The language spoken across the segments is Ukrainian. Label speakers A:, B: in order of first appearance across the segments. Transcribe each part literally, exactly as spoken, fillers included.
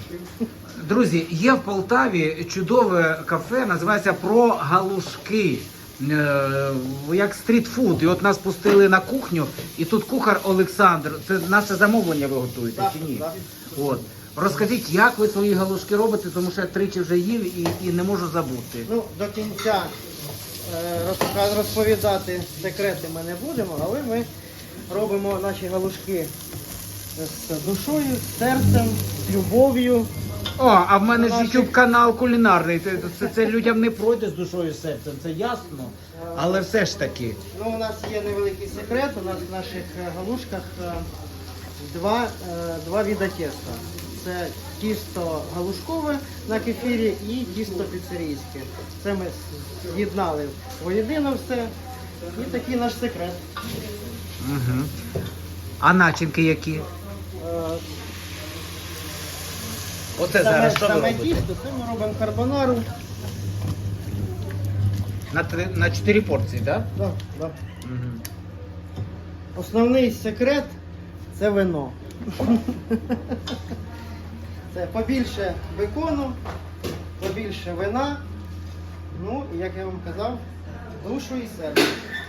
A: Друзі, є в Полтаві чудове кафе, називається «Про галушки». Е, як стрітфуд. І от нас пустили на кухню, і тут кухар Олександр. Це наше замовлення ви готуєте,
B: Так,
A: чи ні?
B: так.
A: От. Розкажіть, як ви свої галушки робите, тому що я тричі вже їв і, і не можу забути.
B: Ну, до кінця е, розпока- розповідати секрети ми не будемо, але ми робимо наші галушки з душою, з серцем, з любов'ю.
A: О, а в мене ж
B: Наші-
A: YouTube канал кулінарний. Це, це, це людям не пройде з душою і серцем, це ясно. Але все ж таки.
B: Ну, у нас є невеликий секрет, у нас в наших е, галушках е, два, е, два вида тіста. Це тісто галушкове на кефірі і тісто піцерійське. Це ми з'єднали воєдино все. І такий наш секрет.
A: Угу. А начинки які?
B: Е,
A: Оце
B: Саме,
A: зараз що ви
B: саме
A: робите?
B: тісто, це ми робимо карбонару.
A: На, три, на чотири порції, так?
B: Да, да.
A: Угу.
B: Основний секрет це вино. Це побільше бекону, побільше вина. Ну, і як я вам казав, душу і серце.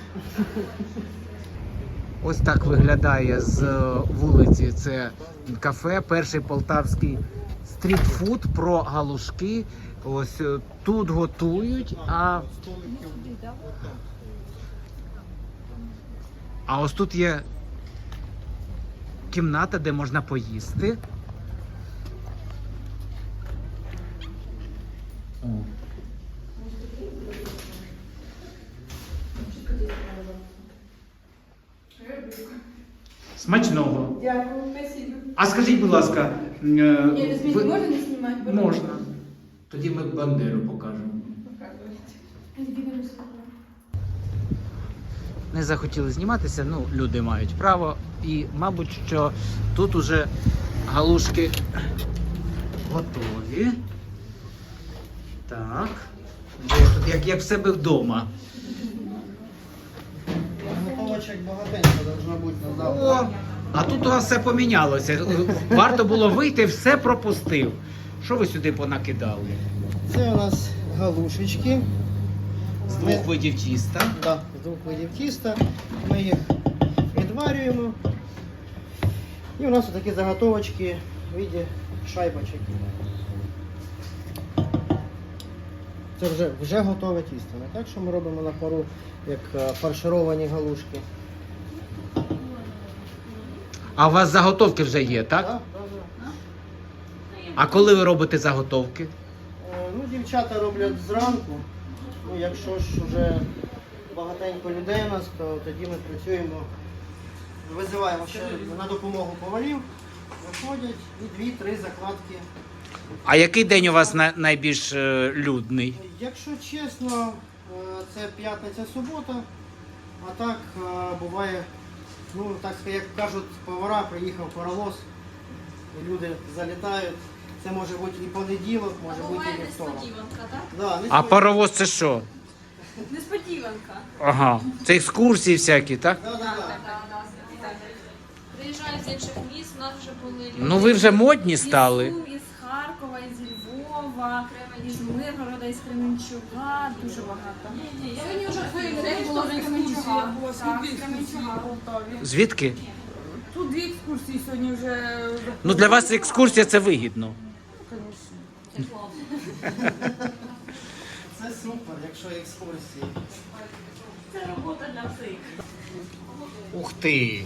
A: Ось так виглядає з е, вулиці. Це кафе, перший полтавський стрітфуд про галушки. Ось е, тут готують, а... а ось тут є кімната, де можна поїсти. О. Смачного.
C: Дякую, спасибо.
A: А скажіть, будь ласка, е,
C: Ні, візьміть,
A: ви-
C: можна не знімати?
A: Можна. Тоді ми Бандеру покажемо.
C: Показуйте.
A: Не захотіли зніматися, ну, люди мають право. І, мабуть, що тут уже галушки готові. Так. Де тут, як, як в себе вдома.
B: Готовочок багатенько должно бути на
A: О,
B: завтра.
A: а тут у вас все помінялося. Варто було вийти, все пропустив. Що ви сюди понакидали?
B: Це у нас галушечки.
A: З двох видів тіста.
B: Да, з двох видів тіста. Ми їх відварюємо. І у нас такі заготовочки в виді шайбочок. Це вже, вже готове тісто. Не так, що ми робимо на пару, як е, фаршировані галушки.
A: А у вас заготовки вже є, так?
B: Да, да, да.
A: А коли ви робите заготовки?
B: Е, Ну, дівчата роблять зранку. Ну, якщо ж вже багатенько людей у нас, то тоді ми працюємо, визиваємо ще на допомогу поварів, виходять і дві-три закладки.
A: А який день у вас на- найбільш е, людний?
B: Якщо чесно, е, це п'ятниця-субота, а так е, буває, ну так сказати, як кажуть повара, приїхав паровоз, і люди залітають. Це може бути і понеділок, може бути і вівторок.
C: Несподіванка, так?
B: Да,
A: А
B: несподівано.
A: паровоз це що?
C: Несподіванка.
A: Ага, це екскурсії всякі, так?
B: Да, да, да.
D: Приїжджають з інших міст, у нас вже були люди.
A: Ну ви вже модні стали.
D: Із Сум, із Харкова, із Львова, із Миргорода, із Кременчуга, дуже багато. Сьогодні вже людей було з Кременчуга. Так, з Кременчуга.
A: Звідки?
C: Тут дві екскурсії сьогодні вже.
A: Ну для вас екскурсія це вигідно.
B: Це супер, якщо екскурсії.
D: Це робота для всіх.
A: Ух ти!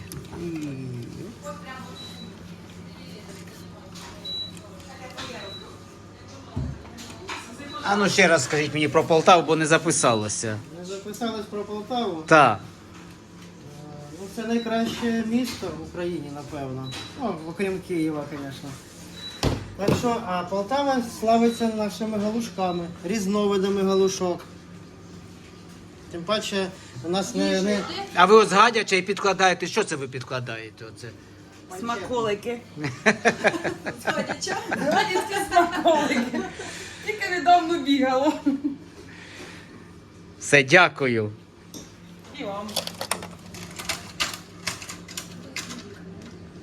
A: А ну ще раз скажіть мені про Полтаву, бо не записалося.
B: Ми записались про Полтаву.
A: Так.
B: Ну, це найкраще місто в Україні, напевно. Ну, окрім Києва, звісно. Так що, а Полтава славиться нашими галушками, різновидами галушок. Тим паче, у нас не... не...
A: А ви ось гадяче і підкладаєте. Що це ви підкладаєте? Оце?
C: Смаколики. Сходяча? Гадівські смаколики. Тільки недавно бігало.
A: Все, дякую.
C: І вам.